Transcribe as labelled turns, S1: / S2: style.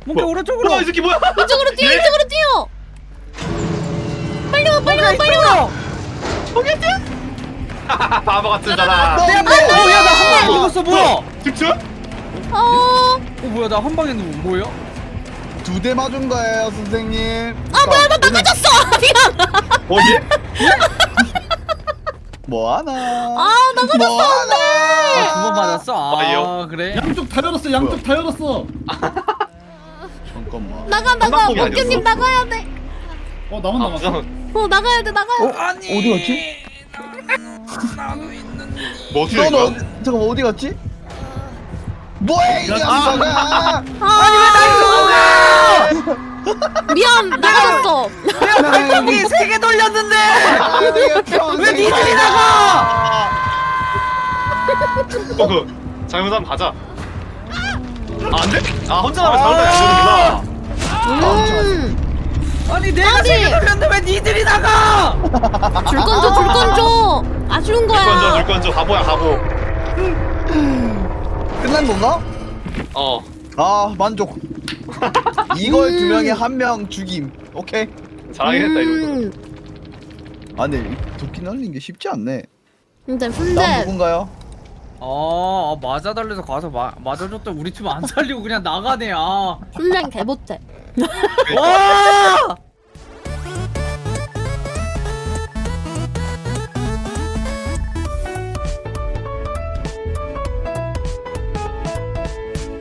S1: 몽키 오른쪽으로.
S2: 이 새끼 뭐야?
S3: 이쪽으로 뛰어
S2: 예?
S3: 이쪽으로 뛰어. 빨리 와 빨리 와 빨리 와.
S2: 바보 같은 사람.
S1: 야, 나 한 방에 죽었어. 뭐야?
S2: 직접?
S1: 뭐야, 나 한 방에 누구 뭐야?
S4: 2대 맞은 거예요, 선생님.
S3: 뭐야 나 나가졌어. 미안.
S2: 어디?
S4: 뭐하나?
S3: 나가졌어.
S4: 뭐하나?
S1: 두 번 맞았어?
S2: 아니요.
S1: 그래?
S5: 양쪽 다 열었어. 양쪽 다 열었어.
S4: 잠깐만.
S3: 나가
S2: 한방폭이
S3: 몽키님
S2: 아니었어?
S3: 나가야 돼.
S5: 나만 남았어.
S2: 부상.
S3: 나가야 돼 나가야 돼.
S1: 아니.
S4: 어디 갔지?
S1: 나도 있는데.
S2: 뭐 어떻게
S4: 넌
S2: 된 거야?
S4: 잠깐만 어디 갔지? 뭐해 이 녀석아!
S1: 아니 왜 날
S3: 미안 나가졌어.
S1: 내가 발톱이 3개 돌렸는데. 왜 니들이 나가?
S2: 그 잘못하면 가자. 안 돼? 혼자 나면 잘못하면 안 되는구나.
S1: 아니 내가
S3: 아니.
S1: 3개 돌렸는데 왜 니들이 나가?
S3: 줄 건 줘. 아쉬운 거야.
S2: 물건줘 바보야 바보.
S4: 끝난 건가? 아 만족. 이걸 2명에 1명 죽임. 오케이.
S2: 잘하긴 했다 이 정도.
S4: 아 근데 도끼 날린 게 쉽지 않네.
S3: 근데
S4: 다음 누군가요?
S1: 맞아달래서 가서 맞아줬더니 우리 팀 안 살리고 그냥 나가네.
S3: 훈련 개 못해.
S1: 와!